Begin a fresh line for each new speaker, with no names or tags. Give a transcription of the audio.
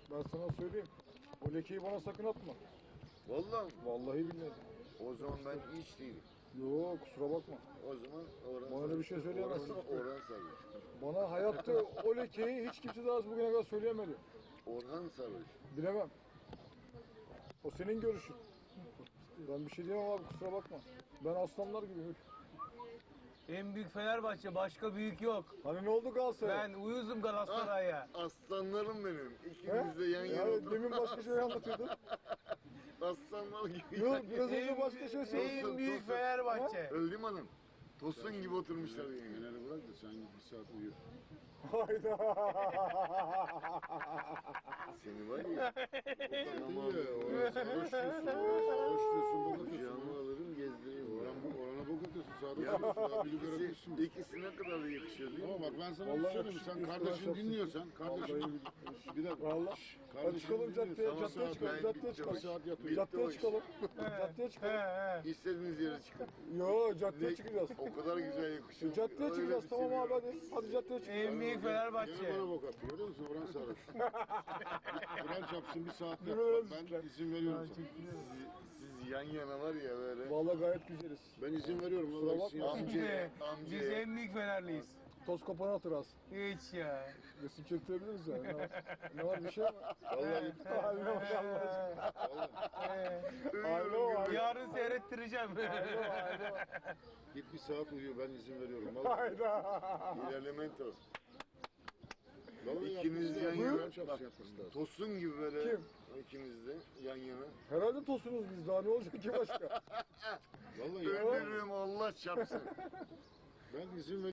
Ben sana söyleyeyim. O lekeyi bana sakın atma.
Vallahi
Vallahi billahi.
o zaman ben hiç değilim.
Yok kusura bakma.
O zaman Orhan
Bana öyle bir şey söyleyemezsin.
Orhan Sarhoş.
Bana hayatta o lekeyi hiç kimse daha bugüne kadar söyleyemedi.
Orhan Sarhoş.
Bilemem. O senin görüşün. Ben bir şey diyemem abi kusura bakma. Ben aslanlar gibiyim.
En büyük Fenerbahçe, başka büyük yok.
Hani ne oldu Galatasaray?
Ben uyuzum Galatasaray'a.
Aslanlarım benim.
He?
İkimiz de yan yana
Yani
oturup
demin başka şey anlatıyordun.
aslanlar gibi.
Yok biraz önce başka şey söyledin.
En büyük Fenerbahçe.
Öldüm hanım. Tosun gibi oturmuşlar yani.
Fener'i bırak da sen git bir saat uyu.
Hayda.
Seni var ya.
İyi ya, Orhan sarhoş diyorsun, bok atıyorsun.
Kucağıma alırım gezdiririm.
Orhan'a bok atıyorsun, sağda
Ya
duruyorsun, abi bir görebilirsin.
ikisine kadar da yakışıyor değil mi?
Ama bak ben sana
Vallahi
bir söyleyeyim,
yakışıklı
sen
üstüne
kardeşini
şapsın.
dinliyorsan, kardeşin bir dakika.
Vallahi.
Şşş,
Hadi
kardeşini
çıkalım caddeye,
dinliyorsan
caddeye
saat-
çıkalım,
ben
caddeye
bitti
çıkalım.
o iş.
saat yatıyor.
Bitti
Caddeye
o iş.
çıkalım. Caddeye
He
çıkalım.
he.
İstediğiniz yere çıkın.
Yo caddeye çıkacağız.
O kadar güzel yakışıyor.
Caddeye
Öyle
çıkacağız
bir
tamam abi
seviyorum.
hadi. Hadi caddeye çıkacağız.
En büyük
Gene
Fenerbahçe.
bana bok atıyor, görüyor musun? Orhan sarhoş. Kur'an çapsın bir saat yat.
Yürü öyle
Ben
bizler.
izin veriyorum sana.
Siz yan yana var ya böyle.
Vallahi gayet güzeliz.
Ben izin veriyorum.
Kusura
Allah
bakma.
için yapsın.
Biz en büyük Fenerliyiz.
Toz kapanı hatırası.
Hiç ya.
Resim çektirebiliriz yani. Ne var bir şey mi?
Vallahi
Haline bak Allah aşkına. Haline bak.
Yarın seyrettireceğim.
Haline bak.
git bir saat uyu, ben izin veriyorum. Vallahi.
Hayda.
Elemento.
Vallahi
İkiniz
yapması
yan
lazım,
yana.
Kur'an
Bak,
çapsın yapması lazım.
tosun gibi böyle.
Kim?
İkiniz de yan yana.
Herhalde tosunuz biz daha ne olacak ki başka?
Vallahi yapma.
Ölürüm Allah çapsın.
Ben izin veriyorum.